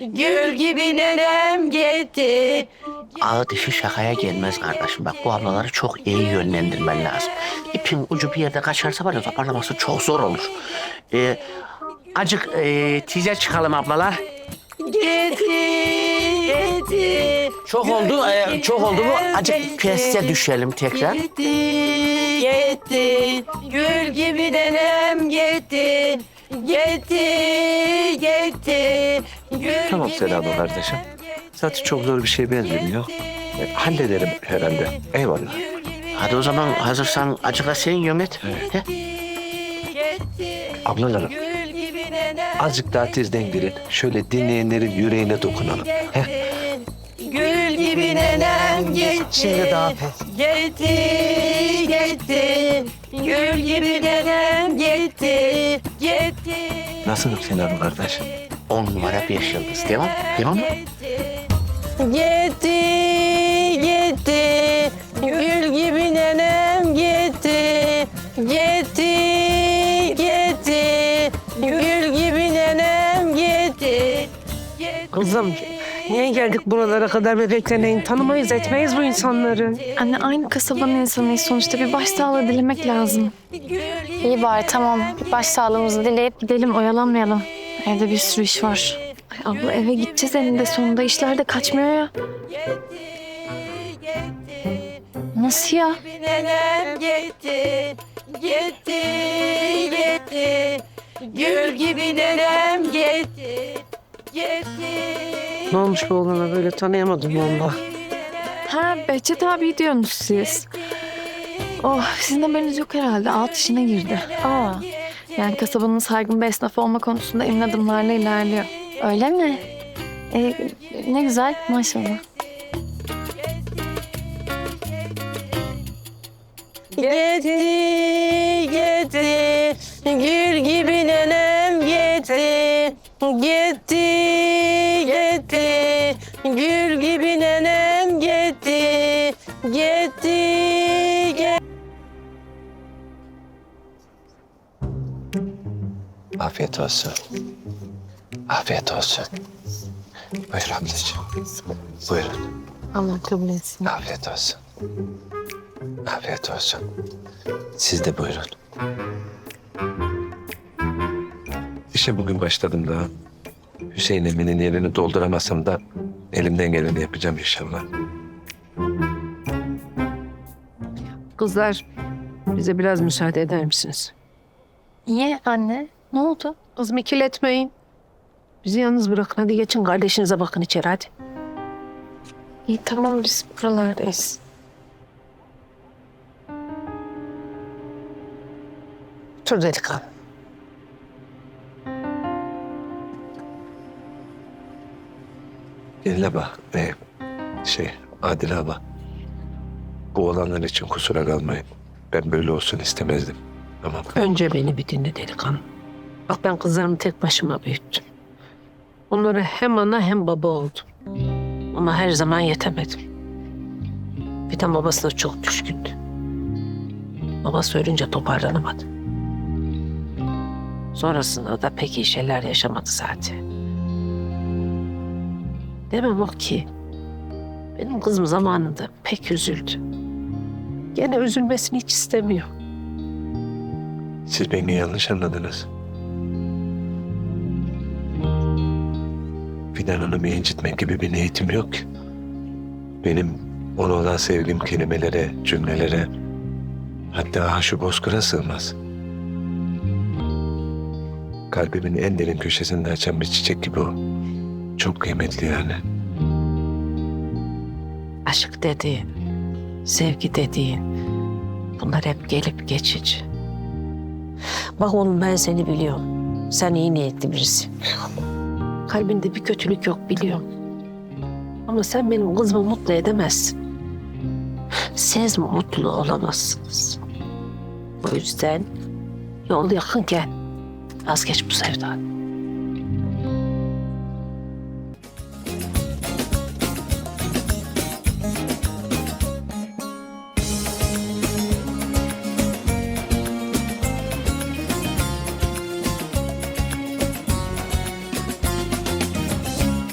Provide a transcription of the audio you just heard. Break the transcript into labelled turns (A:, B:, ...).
A: Gül gibi nenem gitti.
B: Ağı dişi şakaya gelmez kardeşim. Bak bu ablaları çok iyi yönlendirmen lazım. İpin ucu bir yerde kaçarsa var ya toparlaması çok zor olur. Acık tize çıkalım ablalar.
A: Gitti.
B: Çok oldu, çok oldu bu. Acık piyasaya düşelim tekrar.
A: Gitti. Gül gibi nenem gitti. Gitti. Gül
C: Tamam
A: gibi
C: Selam
A: nenem
C: kardeşim.
A: gitti.
C: Zaten çok zor bir şey benzemiyor. Hallederim herhalde. Eyvallah.
B: Hadi o zaman hazırsan acık da sen yönet. He?
C: Ablalarım,
A: Gül gibi nenem
C: azıcık daha tezden girin. Şöyle dinleyenlerin yüreğine dokunalım. Heh.
A: Gül gibi nenem gitti.
C: Şimdi daha
A: Gitti. Gül gibi nenem gitti.
C: Nasılsın Selam kardeş?
B: 10 numara 5 yıldız. Devam. Devam mı?
A: Gitti. Gül gibi nenem gitti. Gül gibi nenem gitti.
D: Kızım, niye geldik buralara kadar bebekleneyin? Tanımayız, etmeyiz bu insanları.
E: Anne aynı kasabanın insanıyız sonuçta. Bir başsağlığı dilemek lazım. İyi bari tamam. Bir başsağlığımızı dileyip gidelim, oyalanmayalım. Evde bir sürü iş var. Ay abla eve gideceğiz eninde sonunda. İşler de kaçmıyor ya. Nasıl ya?
A: Nenem gitti. Gül gibi nenem gitti.
D: Ne olmuş bu oğlana böyle tanıyamadım valla.
E: Ha Behçet abi diyorsunuz siz. Oh sizin haberiniz yok herhalde. Alt işine girdi. Aa. Yani kasabanın saygın bir esnafı olma konusunda emin adımlarla ilerliyor. Öyle mi? Ne güzel maşallah.
A: Gitti. Gül gibi nenem gitti. Gül gibi nenem gitti.
C: Afiyet olsun. Afiyet olsun. Buyur ablacığım. Buyurun.
D: Allah kabul etsin.
C: Afiyet olsun. Afiyet olsun. Siz de buyurun. İşe bugün başladım daha. Hüseyin Emin'in yerini dolduramasam da elimden geleni yapacağım inşallah.
D: Kızlar, bize biraz müsaade eder misiniz?
E: Niye anne? Ne oldu?
D: Kızım ikiletmeyin. Bizi yalnız bırakın. Hadi geçin kardeşinize bakın içeri hadi.
E: İyi tamam biz buralardayız.
D: Otur delikanlı.
C: Gelin abla ve Adile abla. Bu olanlar için kusura kalmayın. Ben böyle olsun istemezdim. Tamam.
D: Önce beni bir dinle delikanlı. Bak ben kızlarımı tek başıma büyüttüm. Onlara hem ana hem baba oldum. Ama her zaman yetemedim. Bir de babasına çok düşkündü. Babası ölünce toparlanamadı. Sonrasında da pek iyi şeyler yaşamadı zaten. Demem o ki, benim kızım zamanında pek üzüldü. Gene üzülmesini hiç istemiyor.
C: Siz beni yanlış anladınız. Fidan Hanım'ı incitmek gibi bir niyetim yok ki. Benim ona olan sevgim kelimelere, cümlelere, hatta şu bozkıra sığmaz. Kalbimin en derin köşesinde açan bir çiçek gibi o. Çok kıymetli yani.
D: Aşk dediğin, sevgi dediğin, bunlar hep gelip geçici. Bak oğlum ben seni biliyorum. Sen iyi niyetli birisin. Kalbinde bir kötülük yok biliyorum. Ama sen benim kızımı mutlu edemezsin. Siz mutlu olamazsınız. O yüzden yol yakınken vazgeç bu sevdadan.